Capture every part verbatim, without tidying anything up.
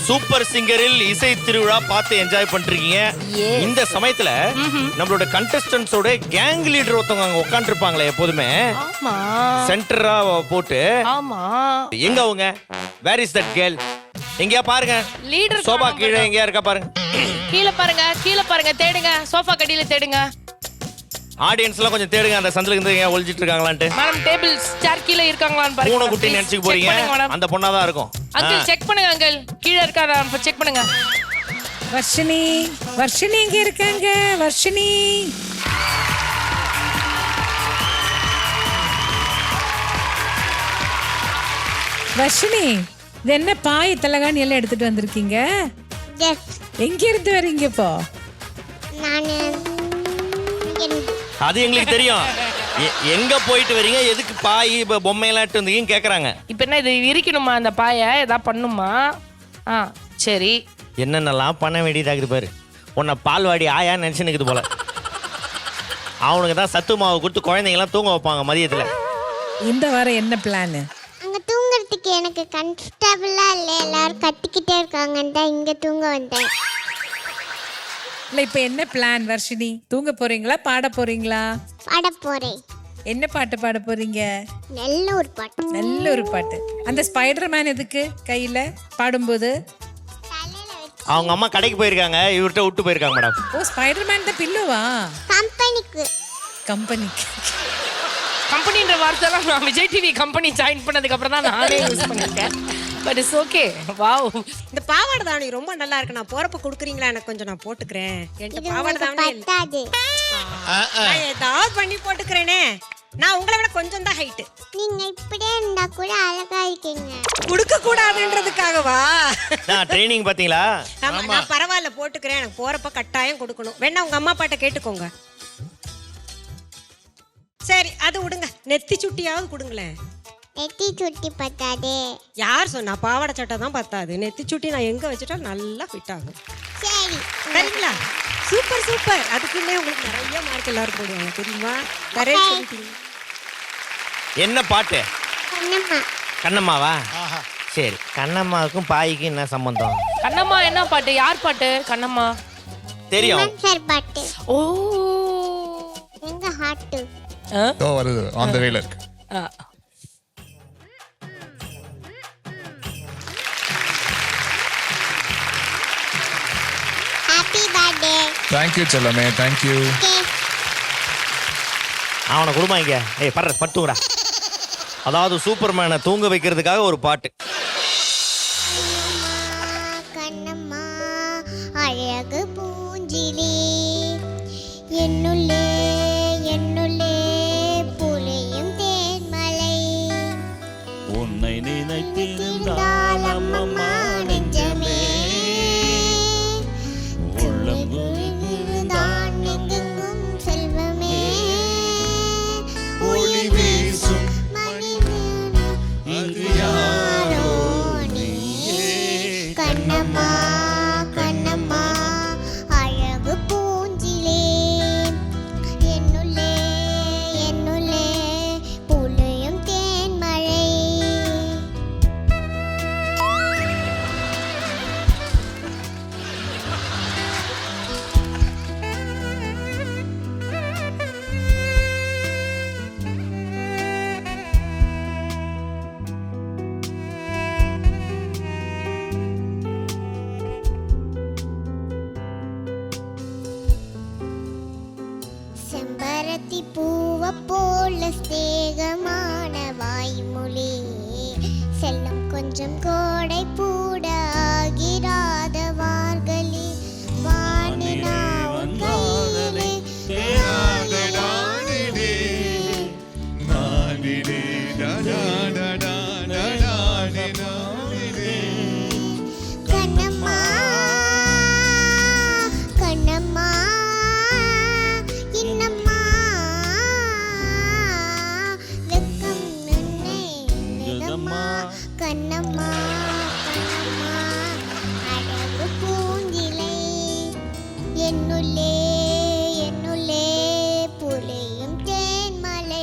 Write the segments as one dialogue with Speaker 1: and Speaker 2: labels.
Speaker 1: Super சிங்கரில் இசை திருவிழா பார்த்து என்ஜாய் பண்றீங்க. இந்த சமயத்துல நம்மளோட கண்டஸ்டன்ஸோட கேங் லீடர் ஒருத்தவங்க அங்க உட்கார்ந்து இருப்பாங்களே எப்போதுமே சென்டரா போட்டு.
Speaker 2: ஆமா,
Speaker 1: எங்க அவங்க? Where is that girl? எங்கயா பாருங்க.
Speaker 2: லீடர்
Speaker 1: சோபா கீழே எங்கயா இருக்கா பாருங்க.
Speaker 2: கீழே பாருங்க, கீழே பாருங்க, தேடுங்க. சோஃபா கடியில தேடுங்க.
Speaker 1: ஆடியன்ஸ் எல்லாம் கொஞ்சம் தேடுங்க, அந்த சந்தில இருந்து எங்க ஒளிஞ்சிட்டு இருக்காங்களான்ட்டு.
Speaker 2: மேடம் டேபிள் சேர் கீழே இருக்காங்களான்னு பாருங்க.
Speaker 1: பூனை குட்டி நினைச்சுக்க போறீங்க, அந்த பொண்ணா தான் இருக்கும்.
Speaker 2: அங்கிள் செக் பண்ணுங்க, அங்கிள் கீழே இருக்காரா செக் பண்ணுங்க.
Speaker 3: வர்ஷினி, வர்ஷினி இங்க இருக்காங்க. வர்ஷினி, வர்ஷினி, இது என்ன பாய் தலகாணி எல்லாம் எடுத்துட்டு வந்திருக்கீங்க? எங்க இருந்து வரீங்க இப்போ?
Speaker 1: அது எங்களுக்கு தெரியும். எங்க போயிட்டு வரீங்க, எதுக்கு பாய் பொம்மை எல்லாம் எடுத்து வந்தீங்கன்னு கேக்குறாங்க.
Speaker 2: இப்போ என்ன இது விரிக்கணுமா? அந்த பாயை ஏதா பண்ணுமா? ஆ சரி.
Speaker 1: என்னென்னலாம் பண்ண வேண்டியதாகுது பாரு. உன்னை பால்வாடி ஆயா நினைச்சுன்னு போல. அவனுக்கு தான் சத்து மாவு கொடுத்து குழந்தைங்கலாம் தூங்க வைப்பாங்க மதியத்துல.
Speaker 3: இந்த வாரம் என்ன பிளான்?
Speaker 4: அங்க தூங்குறதுக்கு எனக்கு கம்ஃபர்டபுளா இல்ல, எல்லாரும் கட்டிக்கிட்டே இருக்காங்கன்னு தான் இங்க தூங்க வந்தேன்.
Speaker 3: இல்ல இப்ப என்ன பிளான் வர்ஷினி? தூங்க போறீங்களா, பாட போறீங்களா?
Speaker 4: பாட போறேன்.
Speaker 3: என்ன பாட்டு பாட போறீங்க?
Speaker 4: நல்ல ஒரு பாட்டு.
Speaker 3: நல்ல ஒரு பாட்டு. அந்த ஸ்பைடர் மேன் எதுக்கு கையில பாடும்போது?
Speaker 1: அவங்க அம்மா கடைக்கு போயிருக்காங்க, இவர்கிட்ட விட்டு போயிருக்காங்க மேடம்.
Speaker 3: ஓ, ஸ்பைடர் மேன் தான் பில்லுவா?
Speaker 4: கம்பெனிக்கு.
Speaker 3: கம்பெனிக்கு.
Speaker 2: கம்பெனின்ற வார்த்தைலாம் நான் விஜய் டிவி கம்பெனி ஜாயின் பண்ணதுக்கு அப்புறம் தான் நானே யூஸ் பண்ணிருக்கேன். But it's okay. வாவ்,
Speaker 5: இந்த பாவாடை தாவணி ரொம்ப நல்லா இருக்கு. நான் போறப்ப குடுக்குறீங்களா? எனக்கு கொஞ்சம் நான் போட்டுக்கிறேன். என்கிட்ட பாவாடை தாவணி
Speaker 4: பத்தாது.
Speaker 5: நான் ஏதாவது பண்ணி போட்டுக்கிறேனே. நான் உங்களை விட கொஞ்சம் தான் ஹைட்.
Speaker 4: நீங்க இப்படியே இருந்தா கூட அழகா இருக்கீங்க.
Speaker 5: குடுக்க கூடாதுன்றதுக்காகவா?
Speaker 1: நான் ட்ரெய்னிங் பாத்தீங்களா?
Speaker 5: ஆமா, நான் பரவாயில்ல போட்டுக்கிறேன். எனக்கு போறப்ப கட்டாயம் கொடுக்கணும். வேணா உங்க அம்மா அப்பாட்ட கேட்டுக்கோங்க. சரி, அது விடுங்க. நெத்தி சுட்டியாவது கொடுங்களேன்.
Speaker 4: நெத்தி சுட்டி பத்தாது.
Speaker 5: யார் சொன்னா? பாவாடை சட்டை தான் பத்தாது. நெத்தி சுட்டி நான் எங்க வச்சுட்டா நல்லா ஃபிட் ஆகும்.
Speaker 4: சரி
Speaker 5: சரிங்களா? Super super. அதுக்குள்ளே உங்களுக்கு நிறைய மார்க் எல்லாரும் போடுவாங்க தெரியுமா? நிறைய சொல்லிட்டீங்க.
Speaker 1: என்ன பாட்டு?
Speaker 4: கண்ணம்மா.
Speaker 1: கண்ணம்மாவா? சரி, கண்ணம்மாவுக்கும் பாய்க்கும் என்ன சம்பந்தம்?
Speaker 2: கண்ணம்மா என்ன பாட்டு? யார் பாட்டு? கண்ணம்மா
Speaker 1: தெரியும்
Speaker 4: சார் பாட்டு.
Speaker 2: ஓ,
Speaker 4: எங்க ஹார்ட்.
Speaker 6: ஓ, வருது ஆன் தி வேல இருக்கு.
Speaker 4: Happy birthday.
Speaker 6: தேங்க் யூ செல்லமே, தேங்க் யூ.
Speaker 1: அவனை குடும்பம் இங்க. ஏய் படுற பட்டுங்கடா. அதாவது சூப்பர்மேனை தூங்க வைக்கிறதுக்காக ஒரு பாட்டு.
Speaker 4: கண்ணம்மா அழகு பூஞ்சிலே என்னுள்ளே என்னுள்ளே புலியும் தேன்மலை
Speaker 7: உன்னை நினைத்திருந்தால் அம்மம்மா நெஞ்சமே உள்ளம்
Speaker 4: தான் எங்கெங்கும் செல்வமே
Speaker 7: ஒளி வீசும்
Speaker 4: இங்கு யாரோ நீயே கண்ணம்மா கண்ணம்மா அழகு பூஞ்சிலே என்னுள்ளே என்னுள்ளே புலியும் தேன்மழை. செம்பருத்தி பூவ போல ஸ்நேகமான வாய்மொழி செல்லம் கொஞ்சம் கோடை பூட ஆகிராத வார்களி வானினாவும் கையிலே கண்ணம்மா கண்ணம்மா இன்னம்மா வெக்கம் நன்னை நிதம்மா கண்ணம்மா கண்ணம்மா அழகு பூஞ்சிலை என்னுள்ளே என்னுள்ளே புலியும் தேன்மலை.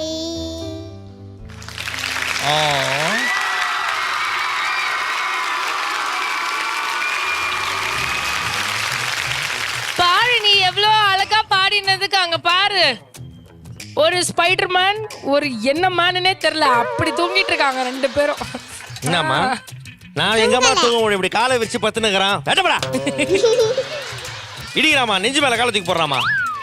Speaker 2: பண்ணதுக்கு அங்க பாரு ஒரு ஸ்பைடர் மேன் ஒரு என்ன மேனுனே தெரியல அப்படி தூங்கிட்டு இருக்காங்க ரெண்டு பேரும்.
Speaker 1: என்னம்மா நான் எங்கம்மா தூங்க முடியும் இப்படி காலை வச்சு பத்துனுக்குறான் வேட்டப்படா இடிக்கிறாமா நெஞ்சு மேல காலை தூக்கி போடுறாமா.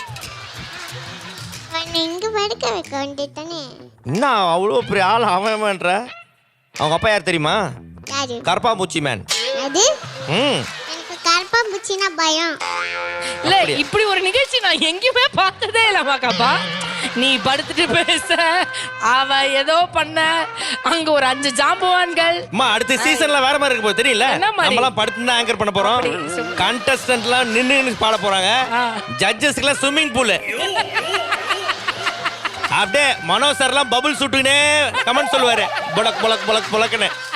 Speaker 4: அவனை இங்க படுக்க வைக்க வேண்டியதானே.
Speaker 1: என்ன அவ்வளோ பெரிய ஆள் அவன்ன்ற அவங்க அப்பா யார் தெரியுமா?
Speaker 4: யாரு?
Speaker 1: கருப்பாம்பூச்சி மேன்.
Speaker 4: அது
Speaker 1: ம்
Speaker 4: எனக்கு கருப்பாம்பூச்சினா பயம்.
Speaker 2: இல்ல இப்படி ஒரு நிகழ்ச்சி நான் எங்கேயுமே பார்த்ததே இல்லம்மா காப்பா. நீ படுத்துட்டு பேச அவ ஏதோ பண்ண அங்க ஒரு அஞ்சு ஜாம்பவான்கள்.
Speaker 1: அம்மா அடுத்த சீசன்ல வேற மாதிரி இருக்க போகுது தெரியல.
Speaker 2: என்ன மாதிரி?
Speaker 1: நம்மலாம் படுத்து தான் ஆங்கர் பண்ண போறோம். கண்டஸ்டன்ட்லாம் நின்னு நின்னு பாட போறாங்க. ஜட்ஜஸ்க்குலாம் ஸ்விம்மிங் பூல். அப்படியே மனோ சார்லாம் பபுள் சுட்டுனே கமெண்ட் சொல்லுவாரு. பொலக் பொலக் பொலக் பொலக்னு.